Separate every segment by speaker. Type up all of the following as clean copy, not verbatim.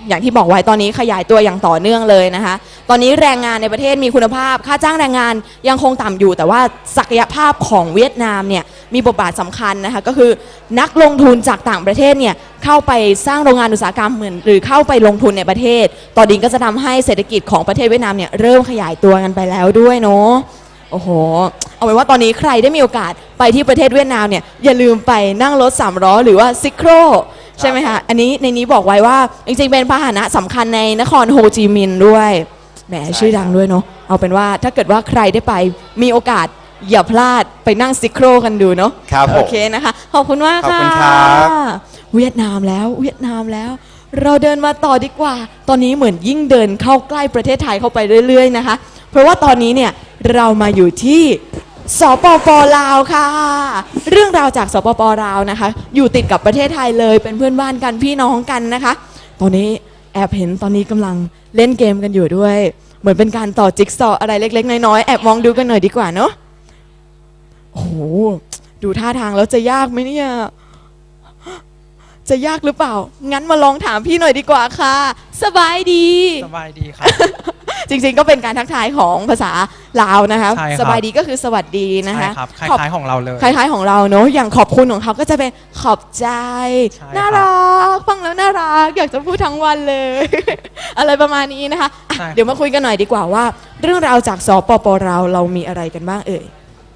Speaker 1: อย่างที่บอกไว้ตอนนี้ขยายตัวอย่างต่อเนื่องเลยนะคะตอนนี้แรงงานในประเทศมีคุณภาพค่าจ้างแรงงานยังคงต่ำอยู่แต่ว่าศักยภาพของเวียดนามเนี่ยมีบทบาทสำคัญนะคะก็คือนักลงทุนจากต่างประเทศเนี่ยเข้าไปสร้างโรงงานอุตสาหกรรมเหมือนหรือเข้าไปลงทุนในประเทศตอนนี้ก็จะทำให้เศรษฐกิจของประเทศเวียดนามเนี่ยเริ่มขยายตัวกันไปแล้วด้วยเนาะโอ้โหเอาเป็นว่าตอนนี้ใครได้มีโอกาสไปที่ประเทศเวียดนามเนี่ยอย่าลืมไปนั่งรถ3ล้อหรือว่าซิโครใช่ไหมคะอันนี้ในนี้บอกไว้ว่าจริงๆเป็นพาหนะสำคัญในนครโฮจิมินห์ด้วยแหมชื่อดังด้วยเนาะเอาเป็นว่าถ้าเกิดว่าใครได้ไปมีโอกาสอย่าพลาดไปนั่งซิโครกันดูเนาะ
Speaker 2: ครับผม
Speaker 1: โอเคนะคะขอบคุณมากค่ะ
Speaker 2: ขอบคุณครับ
Speaker 1: เวียดนามแล้วเราเดินมาต่อดีกว่าตอนนี้เหมือนยิ่งเดินเข้าใกล้ประเทศไทยเข้าไปเรื่อยๆนะคะเพราะว่าตอนนี้เนี่ยเรามาอยู่ที่สปป.ลาวค่ะเรื่องราวจากสปป.ลาวนะคะอยู่ติดกับประเทศไทยเลยเป็นเพื่อนบ้านกันพี่น้องกันนะคะตอนนี้แอบเห็นตอนนี้กำลังเล่นเกมกันอยู่ด้วยเหมือนเป็นการต่อจิ๊กซอว์อะไรเล็กๆน้อยๆแอบมองดูกันหน่อยดีกว่าเนาะโอ้โหดูท่าทางแล้วจะยากไหมเนี่ยจะยากหรือเปล่างั้นมาลองถามพี่หน่อยดีกว่าค่ะสบายดี
Speaker 3: ครับ
Speaker 1: จริงๆก็เป็นการทักทายของภาษาลาวนะคะ
Speaker 3: ใช่ครับ
Speaker 1: สบายดีก็คือสวัสดีนะคะ
Speaker 3: ใช่ครับคล้ายๆของเราเลย
Speaker 1: คล้ายๆของเราเนอะอย่างขอบคุณของเขาก็จะเป็นขอบใจ
Speaker 3: ใช่ครับ
Speaker 1: น่ารักฟังแล้วน่ารักอยากจะพูดทั้งวันเลย อะไรประมาณนี้นะคะอ่ะ
Speaker 3: ใช่ครับ
Speaker 1: เดี๋ยวมาคุยกันหน่อยดีกว่าว่า เรื่องราวจากสปป.ลาวเรามีอะไรกันบ้างเอ่ย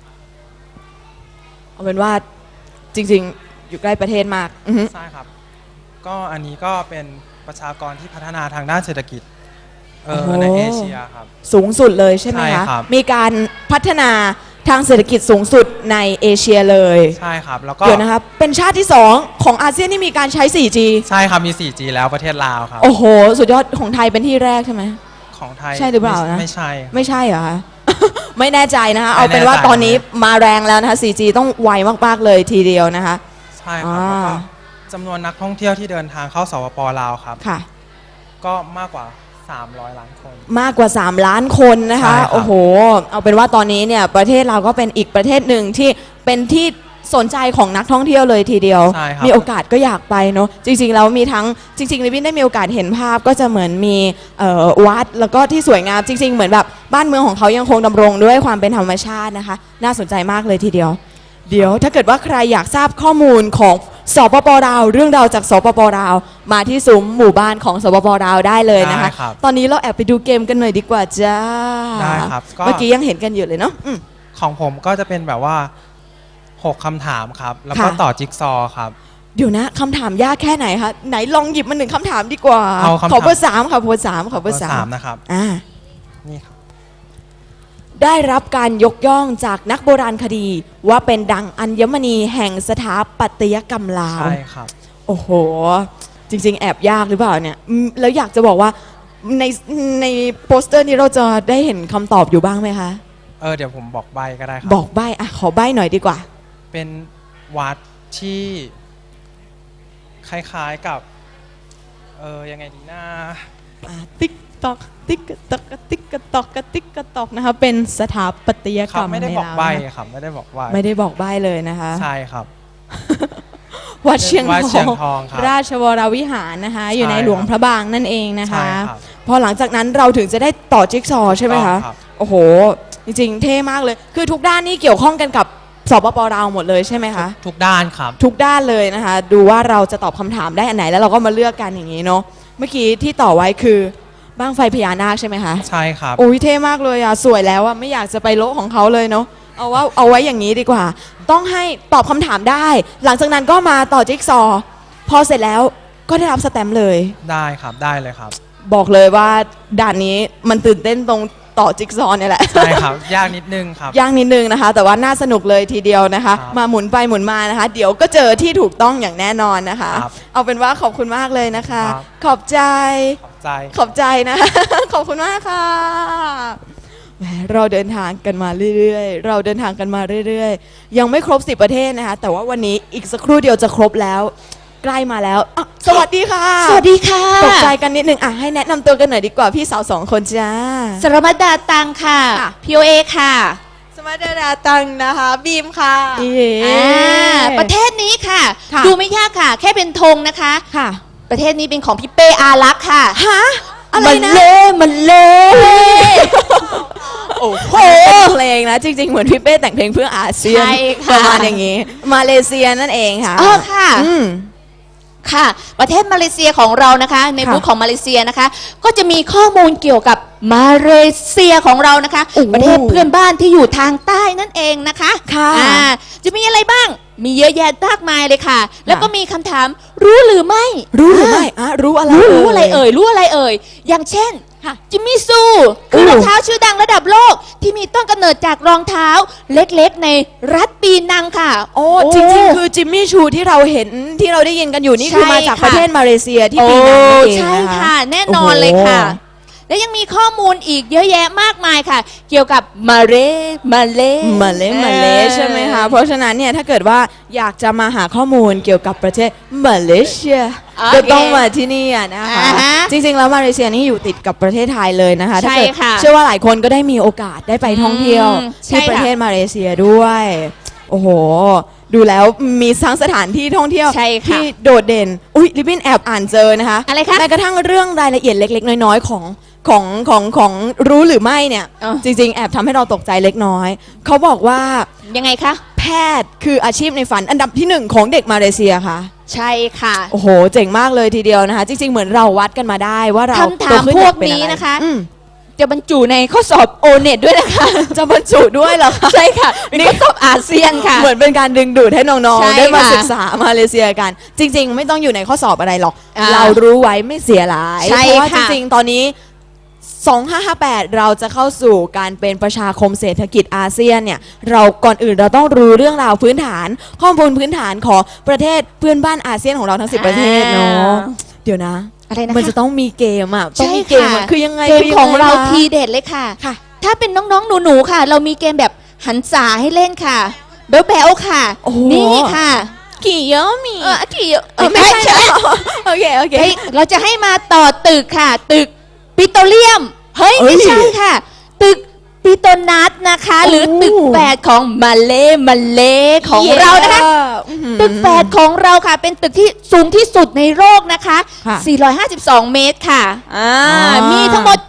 Speaker 1: เอาเป็นว่าจริงๆอยู่ใกล้ประเทศมากอือฮึ
Speaker 3: ใช่ครับก็อันนี้ก็เป็นประชากรที่พัฒนาทางด้านเศรษฐกิจในเอเชียครับ
Speaker 1: สูงสุดเลยใช่ไหม
Speaker 3: ใช่
Speaker 1: คะ
Speaker 3: ครับ
Speaker 1: มีการพัฒนาทางเศรษฐกิจสูงสุดในเอเชียเลย
Speaker 3: ใช่ครับแล้วก็
Speaker 1: เดี๋ยวนะครับเป็นชาติที่2ของอาเซียนที่มีการใช้ 4G
Speaker 3: ใช่ครับมี 4G แล้วประเทศลาวครับ
Speaker 1: โอ้โหสุดยอดของไทยเป็นที่แรกใช่ไหม
Speaker 3: ของไทย
Speaker 1: ใช่หรือเปล่านะ
Speaker 3: ไม่ใช่ครับ
Speaker 1: ไม่ใช่เหรอคะ ไม่แน่ใจนะคะ
Speaker 3: ไม่
Speaker 1: เอาเป็นว่า
Speaker 3: แน่ใจ
Speaker 1: ตอนนี้มาแรงแล้วนะคะ 4G ต้องไวมากๆเลยทีเดียวนะคะ
Speaker 3: ใช่ครับแล้วก็จำนวนนักท่องเที่ยวที่เดินทางเข้าสปป.ลาวครับ
Speaker 1: ค่ะ
Speaker 3: ก็มากกว่า300 ล้านคน
Speaker 1: มากกว่า 3 ล้านคนนะคะ
Speaker 3: ใช่ครับ
Speaker 1: โอ้โหเอาเป็นว่าตอนนี้เนี่ยประเทศเราก็เป็นอีกประเทศหนึ่งที่เป็นที่สนใจของนักท่องเที่ยวเลยทีเดียว
Speaker 3: ใช่ครับ
Speaker 1: มีโอกาสก็อยากไปเนาะจริงๆแล้วมีทั้งจริงๆลิบินได้มีโอกาสเห็นภาพก็จะเหมือนมีวัดแล้วก็ที่สวยงามจริง ๆ เหมือนแบบบ้านเมืองของเขายังคงดำรงด้วยความเป็นธรรมชาตินะคะน่าสนใจมากเลยทีเดียว เดี๋ยวถ้าเกิดว่าใครอยากทราบข้อมูลของสปป.ลาวเรื่องราวจากสปป.ลาวมาที่ซุ้มหมู่บ้านของสปป.ลาวได้เลยนะคะ
Speaker 3: ได้ครับ
Speaker 1: ตอนนี้เราแอบไปดูเกมกันหน่อยดีกว่าจ้า
Speaker 3: ได้ครับก็
Speaker 1: เมื่อกี้ยังเห็นกันอยู่เลยเนาะอืม
Speaker 3: ของผมก็จะเป็นแบบว่า6คำถามครับแล้วก็
Speaker 1: ค่ะ
Speaker 3: ต่อจิ๊กซอว์ครับ
Speaker 1: เดี๋ยวนะคำถามยากแค่ไหนคะไหนลองหยิบมา1คำถามดีกว่า
Speaker 3: เอาคำถาม
Speaker 1: ขอเบอร์3ค่ะเบอร์3ขอเบอร์3
Speaker 3: นะครับ
Speaker 1: อ่า
Speaker 3: นี่ครับ
Speaker 1: ได้รับการยกย่องจากนักโบราณคดีว่าเป็นดังอัญมณีแห่งสถาปัตยกรรมลาว
Speaker 3: ใช่ครับ
Speaker 1: โอ้โห จริง ๆ แอบยากหรือเปล่าเนี่ยแล้วอยากจะบอกว่าในในโปสเตอร์นี้เราจะได้เห็นคำตอบอยู่บ้างไหมคะ
Speaker 3: เดี๋ยวผมบอกใบก็ได้ครับ
Speaker 1: บอกใบ้อะขอใบ้หน่อยดีกว่า
Speaker 3: เป็นวัดที่คล้ายๆกับยังไงดีนะ
Speaker 1: ติ๊กตอกติ๊กตอกติ๊กตอกติ๊กตอกนะคะเป็นสถาปัตยกรรม
Speaker 3: ไม่ได้
Speaker 1: ใน
Speaker 3: บอก
Speaker 1: ลาว
Speaker 3: ใบ
Speaker 1: นะคะ
Speaker 3: ครับไม่ได้บอกใบ
Speaker 1: ไม่ได้บอกใบ้เลยนะคะ
Speaker 3: ใช่ครับ
Speaker 1: วัดเชียง
Speaker 3: วัดเชียง
Speaker 1: ท
Speaker 3: ท
Speaker 1: อ
Speaker 3: อง งครับ
Speaker 1: ราชวรวิหารนะคะ อยู่ใน
Speaker 3: ใช่ครับ
Speaker 1: หลวงพระบางนั่นเองนะคะ
Speaker 3: ใช่ครับ
Speaker 1: พอหลังจากนั้นเราถึงจะได้ต่อจิ๊กซอว์ใช่ไหมคะ
Speaker 3: ถูกต้องครับ
Speaker 1: โอ้โห จริงๆ เท่มากเลย คือทุกด้านนี่เกี่ยวข้องกันกับสปป.ลาวหมดเลยใช่ไหมคะ
Speaker 3: ทุกด้านครับ
Speaker 1: ทุกด้านเลยนะคะ ดูว่าเราจะตอบคำถามได้อันไหนแล้วเราก็มาเลือกกันอย่างนี้เนาะเมื่อกี้ที่ต่อไว้คือบ้างไฟพญานาคใช่ไหมคะ
Speaker 3: ใช่ครับ
Speaker 1: โอ้ยเท่มากเลยอ่ะสวยแล้วอ่ะไม่อยากจะไปโละของเขาเลยเนาะเอาไว้อย่างนี้ดีกว่า ต้องให้ตอบคำถามได้ หลังจากนั้นก็มาต่อจิ๊กซอว์พอเสร็จแล้วก็ได้รับสแตมป์เลย
Speaker 3: ได้ครับได้เลยครับ
Speaker 1: บอกเลยว่าด่านนี้มันตื่นเต้นตรงต่อจิ๊กซอว์เนี่ยแหละ
Speaker 3: ใช่ครับ ยากนิดนึงครับ
Speaker 1: ยากนิดนึงนะคะ แต่ว่าน่าสนุกเลยทีเดียวนะคะ
Speaker 3: ครับ
Speaker 1: มาหมุนไปหมุนมานะคะ เดี๋ยวก็เจอที่ถูกต้องอย่างแน่นอนนะคะ
Speaker 3: ครับ
Speaker 1: เอาเป็นว่าขอบคุณมากเลยนะคะ
Speaker 3: ครับ
Speaker 1: ขอบใจ
Speaker 3: ขอบใจ
Speaker 1: ขอบใจนะ ขอบคุณมากค่ะแหมเราเดินทางกันมาเรื่อยๆ เราเดินทางกันมาเรื่อยๆ ยังไม่ครบ10ประเทศนะคะ แต่ว่าวันนี้อีกสักครู่เดียวจะครบแล้ว ใกล้มาแล้วอ่ะสวัสดีค่ะ
Speaker 4: สวัสดีค่ะ
Speaker 1: ตกใจกันนิดนึงอ่ะให้แนะนำตัวกันหน่อยดีกว่าพี่สาว2คนจ้า
Speaker 4: สรมัดดาตังค่ะ
Speaker 1: ค่ะ
Speaker 4: POA ค่ะ
Speaker 1: สมัติดาตังนะคะบีมค่ะ
Speaker 4: ประเทศนี้ค่ะ
Speaker 1: ค่ะ
Speaker 4: ดูไม่ยากค่ะ แค่เป็นธงนะคะ
Speaker 1: ค่ะ
Speaker 4: ประเทศนี้เป็นของพี่เป้อารักษ์ค่ะ
Speaker 1: ฮะอะไรนะ
Speaker 4: มันเล่
Speaker 1: โอ้โหเป็นเพลงนะจริงๆเหมือนพี่เป้แต่งเพลงเพื่ออาเซียน
Speaker 4: ใช่ค่ะ
Speaker 1: ประมาณอย่างนี้ มาเลเซียนั่นเองค่ะ
Speaker 4: ค่ะ
Speaker 1: อืม
Speaker 4: ค่ะ ประเทศมาเลเซียของเรานะคะ ใน
Speaker 1: ค่ะ
Speaker 4: บูธของมาเลเซียนะคะ ก็จะมีข้อมูลเกี่ยวกับมาเลเซียของเรานะคะ
Speaker 1: โอ้โห
Speaker 4: ประเทศเพื่อนบ้านที่อยู่ทางใต้นั่นเองนะคะ
Speaker 1: ค่ะ
Speaker 4: จะมีอะไรบ้าง มีเยอะแยะมากมายเลยค่ะ แล้วก็มีคำถามรู้หรือไม่
Speaker 1: รู้หรือไม่รู้อะไร
Speaker 4: รู้อะไรเอ่ยรู้อะไรเอ่ยอย่างเช่น
Speaker 1: ค่ะ
Speaker 4: จิมมี่ซูคือรองเท้าชื่อดังระดับโลก ที่มีต้นกำเนิดจากรองเท้าเล็กๆในรัฐปีนังค่ะ
Speaker 1: โอ้จริงๆคือจิมมี่ชูที่เราเห็นที่เราได้ยินกันอยู่นี่
Speaker 4: ใช่
Speaker 1: คือมาจาก
Speaker 4: ค่ะ
Speaker 1: ประเทศมาเลเซียที่ปีนังนั่นเอง
Speaker 4: ใช่
Speaker 1: นะคะ
Speaker 4: ค่ะ แน่นอนเลยค่ะ และยังมีข้อมูลอีกเยอะแยะมากมายค่ะ เกี่ยวกับมาเล
Speaker 1: มาเลใช่ไหมคะ เพราะฉะนั้นเนี่ยถ้าเกิดว่าอยากจะมาหาข้อมูลเกี่ยวกับประเทศมาเลเซีย
Speaker 4: โอเค
Speaker 1: ก็ต้องมาที่นี่อะนะคะ
Speaker 4: อ่าฮะ
Speaker 1: จริงๆแล้วมาเลเซียนี่อยู่ติดกับประเทศไทยเลยนะคะ
Speaker 4: ใช่
Speaker 1: ถ้าเกิด
Speaker 4: ค่ะ
Speaker 1: เชื่อว่าหลายคนก็ได้มีโอกาสได้ไปท่องเที่ยว
Speaker 4: ใช่
Speaker 1: ที่ประ
Speaker 4: ค่ะ
Speaker 1: เทศมาเลเซียด้วย โอ้โห ดูแล้วมีทั้งสถานที่ท่องเที่ยว
Speaker 4: ใช่ค่ะ
Speaker 1: ที่โดดเด่นอุ้ยลิบบินแอบอ่านเจอนะคะ
Speaker 4: อะไรคะ
Speaker 1: แม้กระทั่งเรื่องรายละเอียดเล็กๆน้อยๆของรู้หรือไม่เนี่ย
Speaker 4: อ๋อ
Speaker 1: จริงๆ แอบทำให้เราตกใจเล็กน้อย เขาบอกว่า
Speaker 4: ยังไงคะ
Speaker 1: แพทย์คืออาชีพในฝันอันดับที่หนึ่งของเด็กมาเลเซียค่ะ
Speaker 4: ใช่ค่ะ
Speaker 1: โอ้โห เจ๋งมากเลยทีเดียวนะคะ จริงๆ เหมือนเราวัดกันมาได้ว่าเรา
Speaker 4: คำถาม
Speaker 1: โตขึ้
Speaker 4: พวก
Speaker 1: อยาเป็
Speaker 4: นี้
Speaker 1: อไร
Speaker 4: นะคะ
Speaker 1: อืม
Speaker 4: จะบรรจุในข้อสอบโอเน็ตด้วยนะคะ
Speaker 1: จะบรรจุด้วยเหรอคะ
Speaker 4: ใช่ค่ะเป็นข้อสอบอาเซียนค่ะ
Speaker 1: เหมือนเป็นการดึงดูดให้น้อง
Speaker 4: ใช่
Speaker 1: ๆ ได้มา
Speaker 4: ค่ะ
Speaker 1: ศึกษามาเลเซียกัน จริง ๆ ไม่ต้องอยู่ในข้อสอบอะไรหรอก
Speaker 4: อ่า
Speaker 1: เรารู้ไว้ไม่เสียหลาย
Speaker 4: ใช่
Speaker 1: เพราะว่าจ
Speaker 4: ค่ะ
Speaker 1: ริงๆ ตอนนี้ 2558 เราจะเข้าสู่การเป็นประชาคมเศรษฐกิจอาเซียนเนี่ยเราก่อนอื่นเราต้องรู้เรื่องราวพื้นฐาน ข้อมูลพื้นฐานของประเทศเพื่อนบ้านอาเซียนของเราทั้ง 10 ประเทศเนาะเดี๋ยวนะ
Speaker 4: อะไรนะคะ
Speaker 1: มันจะต้องมีเกมอ่ะต้องมีเกมอะคือยังไง
Speaker 4: เกม
Speaker 1: คืยัไ
Speaker 4: ของเรา
Speaker 1: คะ
Speaker 4: ทีเด็ดเลยค่ะ
Speaker 1: ค่ะ
Speaker 4: ถ้าเป็นน้องๆหนูๆค่ะ เรามีเกมแบบหันษาให้เล่นค่ะแบ๊วๆค่ะ
Speaker 1: โอ้โห
Speaker 4: นี่ค่ะ
Speaker 1: กี่เยอะมี
Speaker 4: กี่
Speaker 1: ไม่ใช่เหรอโอเคโอเค
Speaker 4: เฮ้ยเราจะให้มาต่อตึกค่ะ ตึกปิโตรเลียม เฮ้ย
Speaker 1: เอ้ย
Speaker 4: ไม่ใช่ค่ะ ตึกปิโตรนัสนะคะ หรือตึกแฝดของมาเลของเรานะคะ ตึกแฝดของเราค่ะ เป็นตึกที่สูงที่สุดในโลกนะคะ
Speaker 1: ค่ะ
Speaker 4: 452 เมตรค่ะมีทั้งหมด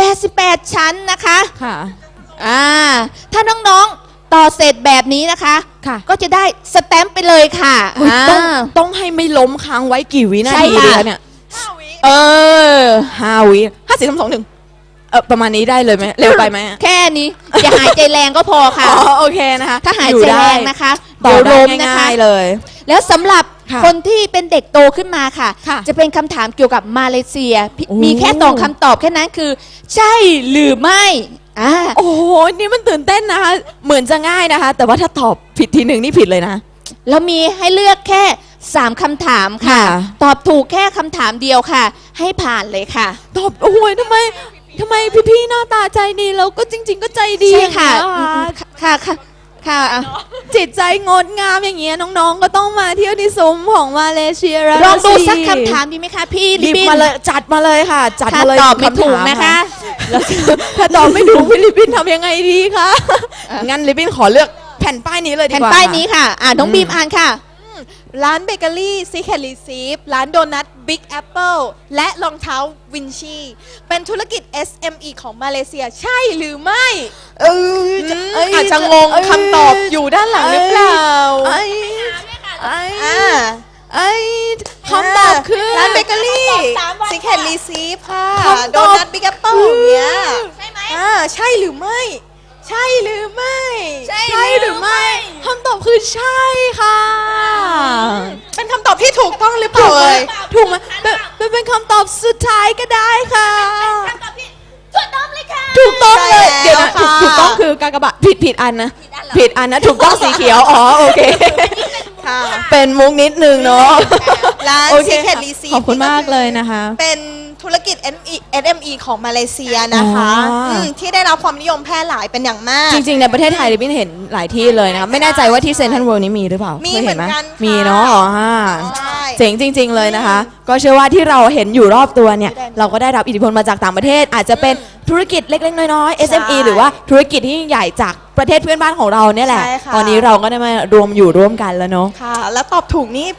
Speaker 4: 88 ชั้นนะคะ
Speaker 1: ค่ะ
Speaker 4: ถ้าน้องๆต่อเสร็จแบบนี้นะคะ
Speaker 1: ค่ะ
Speaker 4: ก็จะได้สแตมป์ไปเลยค่ะ
Speaker 1: อุ๊ยต้องให้ไม่ล้มค้างไว้กี่วินา
Speaker 4: ใช่
Speaker 1: ที
Speaker 4: ค่ะ
Speaker 1: ดีคะเนี่ย
Speaker 4: เออ
Speaker 1: 5 วิ5 4 3 2 1ประมาณนี้ได้เลยไหมเร็วไปไหมอะ
Speaker 4: แค่นี้ อย่าหายใจแรงก็พอค่ะ
Speaker 1: อ๋อโอเคนะคะ
Speaker 4: ถ้าหาย
Speaker 1: อยู่
Speaker 4: ใจ
Speaker 1: ได้
Speaker 4: แรงนะคะ
Speaker 1: ต่อ
Speaker 4: เดี๋ยว
Speaker 1: ได้
Speaker 4: ล้มนะคะ
Speaker 1: ง่ายๆเลย
Speaker 4: แล้วสำหรับ
Speaker 1: ค่ะ
Speaker 4: คนที่เป็นเด็กโตขึ้นมาค่ะ
Speaker 1: ค่ะ
Speaker 4: จะเป็นคำถามเกี่ยวกับมาเลเซีย
Speaker 1: โอ้
Speaker 4: มีแค่สองคำตอบแค่นั้นคือ ใช่หรือไม่อ่า
Speaker 1: โอ้โหนี่มันตื่นเต้นนะคะ เหมือนจะง่ายนะคะ แต่ว่าถ้าตอบผิดทีหนึ่งนี่ผิดเลยนะ
Speaker 4: เรามีให้เลือกแค่ 3คำถามค่ะ
Speaker 1: ค่ะ
Speaker 4: ตอบถูกแค่คำถามเดียวค่ะ ให้ผ่านเลยค่ะ
Speaker 1: ตอบโอ้ยทำไมพี่ๆหน้าตาใจดีแล้วก็จริง ๆ ก็ใจดี
Speaker 4: ใช่ค่ะ
Speaker 1: อย่างเงี้ย
Speaker 4: ค่ะค่ะค่ะอ่ะ
Speaker 1: จิตใจงดงามอย่างเงี้ยน้องๆ ก็ต้องมาเที่ยวที่ซุ้มของมาเลเซียแล้ว
Speaker 4: ลองดู
Speaker 1: สิ
Speaker 4: สักคำถามดีไหมคะพี่
Speaker 1: หยิ
Speaker 4: ลิ
Speaker 1: บ
Speaker 4: บิน
Speaker 1: มาเลยจัดมาเลยค่ะ จัด
Speaker 4: ถ้า
Speaker 1: มาเลย
Speaker 4: ตอบไม่
Speaker 1: คำถา
Speaker 4: ถูกนะคะ
Speaker 1: แล้วถ้าตอบไม่ถูกพี่ลิปปินทำยังไงดีคะงั้นลิปปินขอเลือกแผ่นป้ายนี้เลยดี
Speaker 4: แผ่น
Speaker 1: กว่า
Speaker 4: ป้ายนี้ค่ะน้องบีมอ่านค่ะ
Speaker 2: ร้านเบเกอรี่ซีเคทรีซีฟร้านโดนัทบิ๊กแอปเปิลและรองเท้าวินชีเป็นธุรกิจ SME ของมาเลเซียใช่หรือไม่ อาจจะงงคำตอบอยู่ด้านหลังหรือเปล่า
Speaker 1: ไอ้ไอ้
Speaker 2: อ่า
Speaker 1: ไอ้คำตอบคือ
Speaker 2: ร้านเบเกอรี่ซีเคทรีซีฟค่ะ
Speaker 1: คำต
Speaker 2: โด
Speaker 1: อบ
Speaker 2: นัทบิ๊กแอปเปิลอย่างเงี้ย
Speaker 4: ใช่ไหม
Speaker 2: ใช่หรือไม่ ใช่หรือไม่
Speaker 4: ใช่
Speaker 1: ใช่หรือไม่คำตอบคือใช่ค่ะ
Speaker 2: เป็นคำตอบที่ถูกต้องหรือเปล่าเอ่ย
Speaker 1: ถูกไหมเป็นคำตอบสุดท้ายก็ได้ค่ะ
Speaker 4: ถูกต้องเลยค่ะ
Speaker 1: ถูกต้องเลย
Speaker 2: ใช่แล้ว
Speaker 1: เดี๋ยวนะ
Speaker 2: ค่ะ
Speaker 1: ถูกต้องคือกากบาทผิดอันนะผิดอันนะถูกต้องสีเขียวอ๋อโอเค
Speaker 2: ค่ะ
Speaker 1: เป็นมุกนิดนึงเนาะ
Speaker 2: ร้าน
Speaker 1: โอเค
Speaker 2: Secret
Speaker 1: ค่ะ
Speaker 2: Receipt
Speaker 1: ขอบคุณมากเลยนะคะ
Speaker 2: เป็นธุรกิจ SME ของมาเลเซียนะคะ
Speaker 1: อ๋ออื
Speaker 2: ที่ได้รับความนิยมแพร่หลายเป็นอย่างมาก
Speaker 1: จริงๆในประเทศไทยลิบบินเห็นหลายที่เลยนะคะไม่แน่ใจว่าที่เซนทรัลเวิลด์นี้มีหรือเปล่า
Speaker 2: มี
Speaker 1: เคยเห็นไหม
Speaker 2: เหมือนกันค่ะ
Speaker 1: มีเนาะอ๋อฮะ
Speaker 2: ใช่
Speaker 1: เจ๋งจริง ๆเลยนะคะ ก็เชื่อว่าที่เราเห็นอยู่รอบตัวเนี่ยเราก็ได้รับอิทธิพลมาจากต่างประเทศ อาจจะเป็นธุรกิจเล็กๆน้อยๆ SME หรือว่าธุรกิจที่ยิ่งใหญ่จากประเทศเพื่อนบ้านของเราเนี่ยแหละ
Speaker 2: ใช่ค่ะ
Speaker 1: ตอนนี้เราก็ได้มารวมอยู่ร่วมกันแล้วเนาะ
Speaker 2: ค่ะ แล้วตอบถูกนี่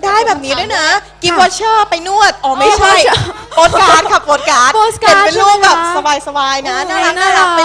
Speaker 2: ได้แบบนี้ด้วยนะกิฟต์วอเชอร์ไปนวดอ๋อไม่ใช่
Speaker 1: voucher
Speaker 2: โปสการ์ดค่ะโปสการ์ด
Speaker 1: postcard
Speaker 2: เห็นเป็นรูปแบบ
Speaker 1: ใช่ไหมคะ
Speaker 2: สบายๆนะ
Speaker 1: โอ้ย
Speaker 2: น่ารักไป